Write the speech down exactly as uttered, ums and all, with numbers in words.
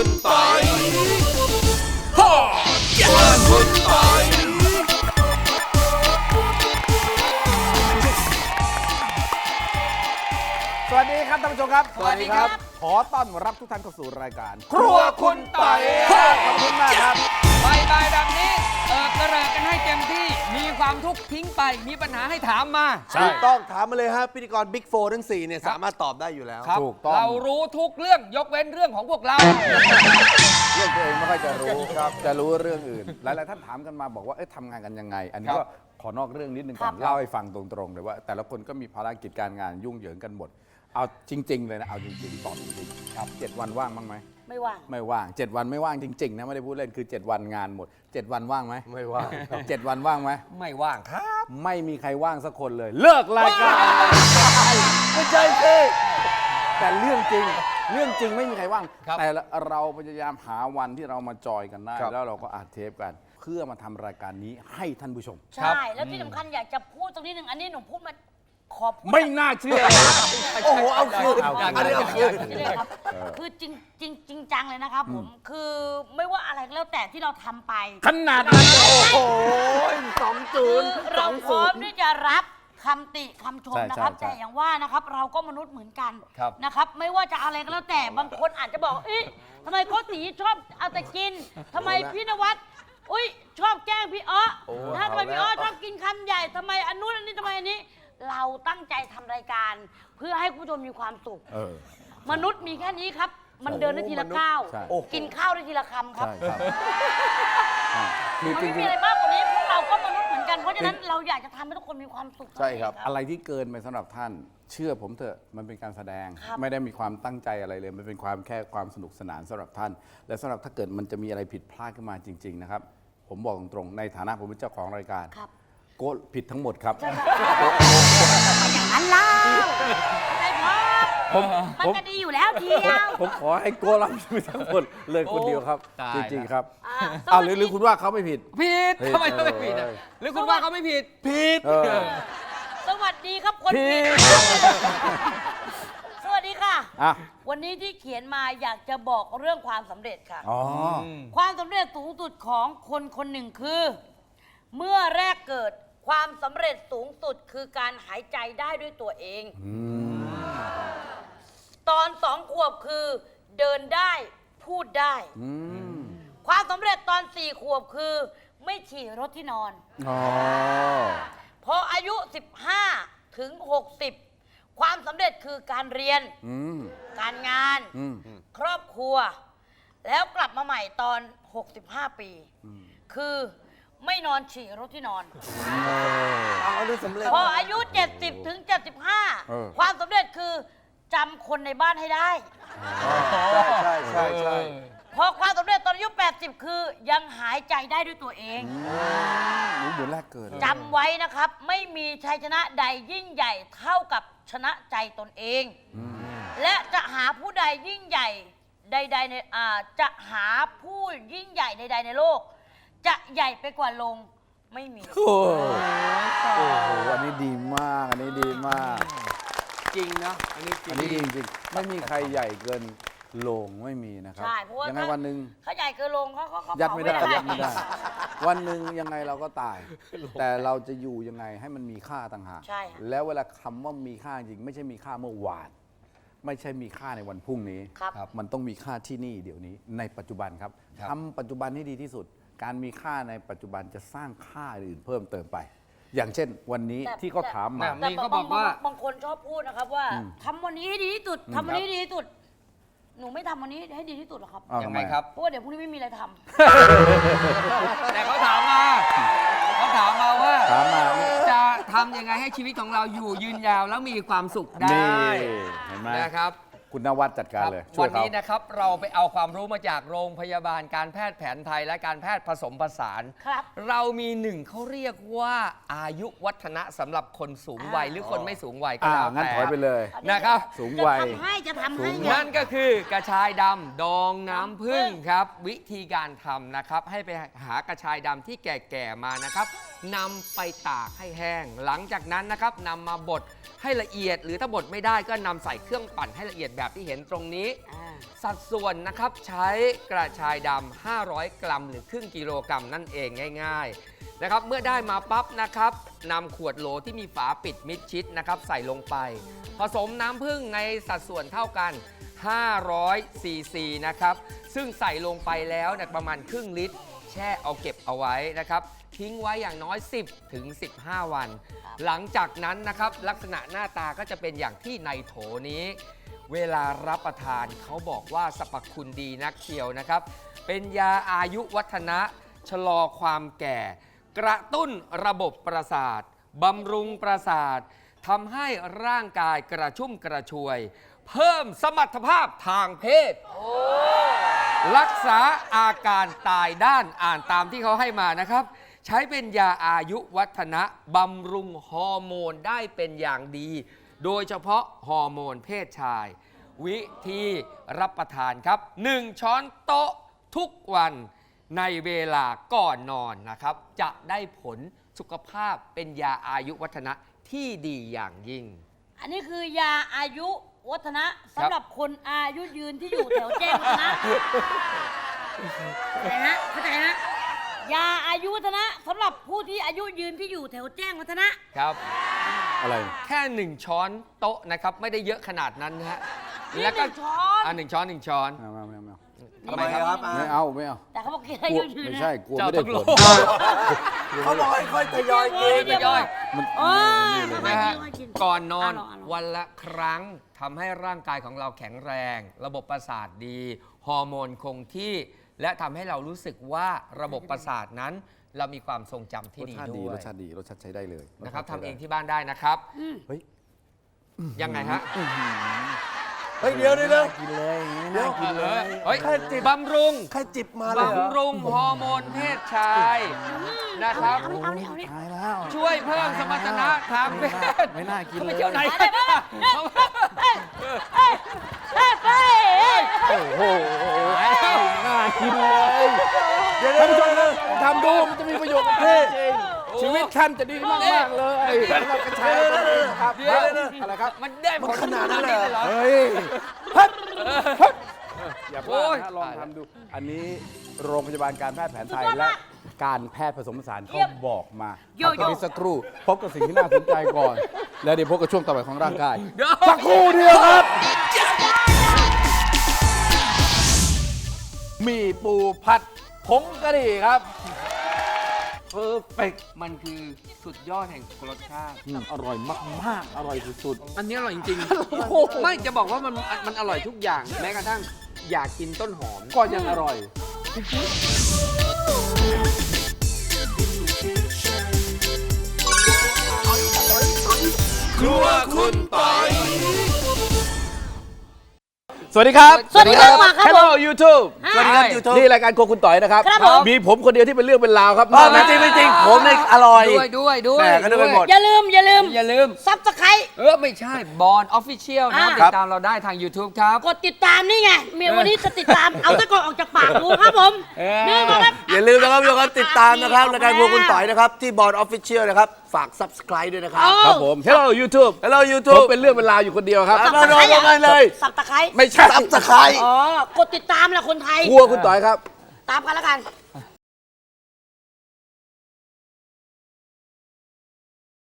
คุณปอยฮ่าครัวคุณปอยสวัสดีครับท่านผู้ชมครับสวัสดีครับขอต้อนรับทุกท่านเข้าสู่รายการครัวคุณปอยขอบคุณมากครับบ่ายๆแบบนี้เออกระเริกกันให้เต็มที่มีความทุกข์ทิ้งไปมีปัญหาให้ถามมาถูกต้องถามมาเลยฮะพิธีกรบิ๊กโฟร์ทั้งสี่เนี่ยสามารถตอบได้อยู่แล้วครับถูกต้องเรารู้ทุกเรื่องยกเว้นเรื่องของพวกเราเรื่องตัวเองไม่ค่อยจะรู้ครับจะรู้เรื่องอื่น หลายๆท่านถามกันมาบอกว่าเอ๊ะทำงานกันยังไง อันนี้ครัก็บขอนอกเรื่องนิดนึงก่อนเล่าให้ฟังตรงๆเลยว่า แต่ละคนก็มีภารกิจการงานยุ่งเหยิงกันหมด เอาจริง ๆ เลยนะเอาจริงๆตอบจริงๆครับเจ็ดวันว่างบ้างไหมไม่ว่างไม่ว่างเจ็ดวันไม่ว่างจริงๆนะไม่ได้พูดเล่นคือเจ็ดวันงานหมดเจ็ดวันว่างไหมไม่ว่างเจ็ดวันว่างไหมไม่ว่างครับไม่มีใครว่างสักคนเลย เลิกรายการไม่ใช่สิแต่เรื่องจริงเรื่องจริงไม่มีใครว่างครับแต่เราพยายามหาวันที่เรามาจอยกันได้ครับแล้วเราก็อัดเทปกัน เพื่อมาทำรายการนี้ให้ท่านผู้ชมใช่ แล้วที่สำคัญอยากจะพูดตรงนี้หนึ่งอันนี้หนูพูดมาขอพูดไม่น่าเชื่อโอ้โหเอาคืนเอาคืนอันนี้เอาคืนนี่เลยครับ คือจริงจริงจริงจังเลยนะครับผม คือไม่ว่าอะไรก็แล้วแต่ที่เราทำไปขนาดนั้นเลยโอ้ยสองศูคืนอย์สเราองพร้ศูอมนย์ที่จะรับคำติคำชมใช่นะครับใช่แต่ใช่อย่างว่านะครับเราก็มนุษย์เหมือนกันครับนะครับ ไม่ว่าจะอะไรก็แล้วแต่บางคนอาจจะบอกเอ๊ะทำไมโกติชอบเอาแต่กินทำไมพี่นวัดอุ้ยชอบแกล้งพี่อ้อนะทำไมพี่อ้อชอบกินคำใหญ่ทำไมอันนู้นอันนี้ทำไมอันนี้ เราตั้งใจทำรายการเพื่อให้คุณผู้ชมมีความสุขเออมนุษย์มีแค่นี้ครับ มันเดินได้ทีละก้าวใช่กินข้าวได้ทีละคำครับใช่ครับใช่คือมันจไม่ริมีงอะไรมากกว่านี้พวกเราก็มนุษย์เหมือนกัน เพราะฉะนั้นเราอยากจะทำให้ทุกคนมีความสุขๆใช่ครับเท่านั้นเองอะไรที่เกินไปสำหรับท่าน เชื่อผมเถอะมันเป็นการแสดงครับไม่ได้มีความตั้งใจอะไรเลย มันเป็นความแค่ความสนุกสนานสำหรับท่าน และสำหรับถ้าเกิดมันจะมีอะไรผิดพลาดขึ้นมาจริง ๆ นะครับ ผมบอกตรงๆในฐานะผมเป็นเจ้าของรายการครับโกะผิดทั้งหมดครับอย่างนั้นเล่าได้ครับผมมันผมก็ดีอยู่แล้วเทียวผมขอให้โกะรับผิดทั้งหมดเลยคนเดียวครับตายจริง ๆ ครับอ่าอ้าวหรือหรือคุณว่าเขาไม่ผิดผิดผิดทำไมเขาไม่ผิดอะเออหรือคุณว่าเขาไม่ผิดผิดเออสวัสดีครับคนผิผิดดสวัสดีค่ะอ่ะวันนี้ที่เขียนมาอยากจะบอกเรื่องความสำเร็จค่ะอ๋อความสำเร็จสูงสุดของคนคนหนึ่งคือ เมื่อแรกเกิดความสำเร็จสูงสุดคือการหายใจได้ด้วยตัวเอง ตอนสองขวบคือเดินได้พูดได้อืมความสำเร็จตอนสี่ขวบคือ ไม่ฉี่รถที่นอนอ๋อพออายุ สิบห้า ถึง หกสิบ ความสำเร็จคือการเรียนอืมการงานอืมครอบครัว แล้วกลับมาใหม่ตอน หกสิบห้า ปี คือไม่นอนฉี่รถที่นอนเอาอันนี้สำเร็จพออายุ เจ็ดสิบ ถึง เจ็ดสิบห้าเออความสำเร็จคือจำคนในบ้านให้ได้ใช่ใช่ใช่พอความสำเร็จตอนอายุ แปดสิบ คือยังหายใจได้ด้วยตัวเองรู้เหมือนแรกเกิดเลยจำไว้นะครับ ไม่มีชัยชนะใดยิ่งใหญ่เท่ากับชนะใจตนเอง และจะหาผู้ใดยิ่งใหญ่ใดๆในอ่าจะหาผู้ยิ่งใหญ่ใดๆในโลก จะใหญ่ไปกว่าลงไม่มีโอ้โอ้โห อันนี้ดีมาก อันนี้ดีมากจริงนะอันนี้จริอังนนี้ดีจริงๆไม่มีใครใหญ่เกินโลงไม่มีนะครับใช่เพราะว่ายังไงถ้าวันหนึ่งเขาใหญ่เกินลงเขาเขาเขายัดไม่ได้เขายัดไม่ได้ วันหนึ่งยังไงเราก็ตาย แต่เราจะอยู่ยังไงให้มันมีค่าต่างหากใช่ค่ะแล้วเวลาคำว่ามีค่าจริง ไม่ใช่มีค่าเมื่อวาน ไม่ใช่มีค่าในวันพรุ่งนี้ครับมันต้องมีค่าที่นี่เดี๋ยวนี้ในปัจจุบันครับครับทำปัจจุบันให้ดีที่สุด การมีค่าในปัจจุบันจะสร้างค่าอื่นเพิ่มเติมไป อย่างเช่น วันนี้แต่ที่เขาถามมาแต่ นี่เขาบอกว่าบางคนชอบพูดนะครับว่าอืมทำวันนี้ให้ดีที่สุดทำวันนี้ให้ดีที่สุด หนูไม่ทำวันนี้ให้ดีที่สุดหรอกครับอ้าวยังทำไงมครับเพราะว่าเดี๋ยวพรุ่งนี้ไม่มีอะไรทำแต่เขาถามมาเขาถามมาว่าถามมาจะทำยังไงให้ชีวิตของเราอยู่ยืนยาวแล้วมีความสุขได้นี่เห็นไหมนะครับคุณนวัดจัดการเลยช่ววัยนเขานี้นะครับเราไปเอาความรู้มาจากโรงพยาบาลการแพทย์แผนไทยและการแพทย์ผสมผสานครับเรามีหนึ่งเขาเรียกว่าอายุวัฒนะสำหรับคนสูงวัยอ่าหรือคนไม่สูงวัยก็อ่าแล้วงั้นแต่ถอยไปเลยนะครับสูงจะวัยทำให้จะทำให้ไงนั่นก็คือกระชายดำดองน้ำผึ้งครับ วิธีการทำนะครับ ให้ไปหากระชายดำที่แก่ๆมานะครับนำไปตากให้แห้ง หลังจากนั้นนะครับนำมาบดให้ละเอียด หรือถ้าบดไม่ได้ก็นำใส่เครื่องปั่นให้ละเอียดแบบที่เห็นตรงนี้อ่าสัดส่วนนะครับใช้กระชายดำห้าร้อยกรัมหรือครึ่งกิโลกรัมนั่นเองง่ายๆนะครับเมื่อได้มาปั๊บนะครับนำขวดโหลที่มีฝาปิดมิดชิดนะครับใส่ลงไป ผสมน้ำผึ้งในสัดส่วนเท่ากันห้าร้อยซีซีนะครับซึ่งใส่ลงไปแล้วเนี่ยประมาณครึ่งลิตร แช่เอาเก็บเอาไว้นะครับทิ้งไว้อย่างน้อย สิบถึงสิบห้า วัน หลังจากนั้นนะครับลักษณะหน้าตาก็จะเป็นอย่างที่ในโถนี้ เวลารับประทานเขาบอกว่าสรรพคุณดีนักเชียวนะครับ เป็นยาอายุวัฒนะชะลอความแก่ กระตุ้นระบบประสาทบำรุงประสาททำให้ร่างกายกระชุ่มกระชวย เพิ่มสมรรถภาพทางเพศ รักษาอาการตายด้านอ่านตามที่เขาให้มานะครับ ใช้เป็นยาอายุวัฒนะบำรุงฮอร์โมนได้เป็นอย่างดี โดยเฉพาะฮอร์โมนเพศชาย วิธีรับประทานครับ หนึ่ง ช้อนโต๊ะทุกวันในเวลาก่อนนอนนะครับ จะได้ผลสุขภาพเป็นยาอายุวัฒนะที่ดีอย่างยิ่งอันนี้คือยาอายุวัฒนะสำหรับคนอายุยืนที่อยู่แถวแจ้งวัฒนะเข้าใจนะเข้าใจนะยาอายุวัฒนะสำหรับผู้ที่อายุยืนที่อยู่แถวแจ้งวัฒนะครับอะไรแค่หนึ่งช้อนโต๊ะนะครับไม่ได้เยอะขนาดนั้นนะฮะนี่หนึ่งช้อนอ่าหนึ่งช้อนหนึ่งช้อนไม่เอาไม่เอาไม่เอาทำไมครับอ่ะไม่เอาไม่เอาแต่เขาบอกกินกอาลัวยุยืนไม่นะใช่กลัวเจ้าไม่ได้ต้องผรู้ลเขาบอกให้ค่อยทยอยกินเดี๋วย่อยมันโอ้ยนี่เลยไม่นะกิฮะนไม่กินก่อนนอนเาลงเาลงวันละครั้งทำให้ร่างกายของเราแข็งแรง ระบบประสาทดี ฮอร์โมนคงที่ และทำให้เรารู้สึกว่าระบบประสาทนั้น เรามีความทรงจำที่รสดีชาติด้ดีวยรสชาติดีรสชาติใช้ได้เลยนะครับสชาติทำเองใช้ได้ที่บ้านได้นะครับเฮ้ยยังไงฮะเฮ้ยเดี๋ยวเดี๋ยวเดี๋ยวกินเลยไม่เดี๋น่ายวกินเลยเฮ้ยแค่จิบบำรุงใครจิบมาเลยเหรอบำรุงฮอร์โมนเพศชายนะครับเอาเอานี่เอานี่ตายแล้วช่วยเพิ่มสมรรถนะทางเพศไม่น่ากินเขาเลไปยเที่ยวไหนไปไปไปไปไปโอ้โหไปแล้วน่ากินเลยท่านผู้ชมนะทำดูมันจะมีประโยชน์กับท่านจริงชีวิตท่านจะดีมากมากๆเลยสำหรับกระชายตัวนี้ครับเดี๋ยวอะไรครับมันได้ผลขนาดนั้นเลยเหรอเฮ้ยฮึดฮึดอย่าพลาโอ้ดยนะลองทำดู อันนี้โรงพยาบาลการแพทย์แผนไทยและการแพทย์ผสมผสานเขาบอกมาโยพักโย่กันสักครู่พบกับสิ่งที่น่าสนใจก่อน แล้วเดี๋ยวพบกับช่วงต่อไปของร่างกายเดี๋ยวสักครู่เดียวครับ มีปูผัดผงกะหรี่ครับเพอร์เฟกมันคือสุดยอดแห่งรสชาติอร่อยมากๆ อร่อยสุดอันนี้อร่อยจริงๆ ไม่จะบอกว่ามันมันอร่อยทุกอย่าง แม้กระทั่งอยากกินต้นหอมๆ ก็ยังอร่อยครัวคุณปอยสวัสดีครับสวัสดีครับมาครับผม Hello YouTube สวัสดีครับ YouTube นี่รายการโครัวคุณต่อยนะครับครับผมมีผมคนเดียวที่เป็นเรื่องเป็นราวครับไม่จริงไม่จริงผมเนี่ยอร่อยด้วยด้วยด้วยแหม่ก็นึกไปหมดอย่าลืมอย่าลืมอย่าลืมซับสไครต์เออ ไม่ใช่บอลออฟฟิเชียลนะอ่าติดตามเราได้ทาง YouTube ครับกดติดตามนี่ไงเมียวันนี้จะติดตาม เอาตะกอนออกจากปากดูครับผมเออนี่มาครับอย่าลืมนะครับทุกคนติดตามนะครับรายการพวกคุณต่อยนะครับ ที่บอร์ดออฟฟิเชียลนะครับ ฝาก Subscribe ด้วยนะครับครับผม Hello YouTube Hello ผม YouTube เป็นเรื่องเป็นราวอยู่คนเดียวครับมาลองกันเลยสับตะไคร้ไม่ใช่ Subscribe อ๋อกดติดตามแหละคนไทยครัวคุณต่อยครับตามกันแล้วกัน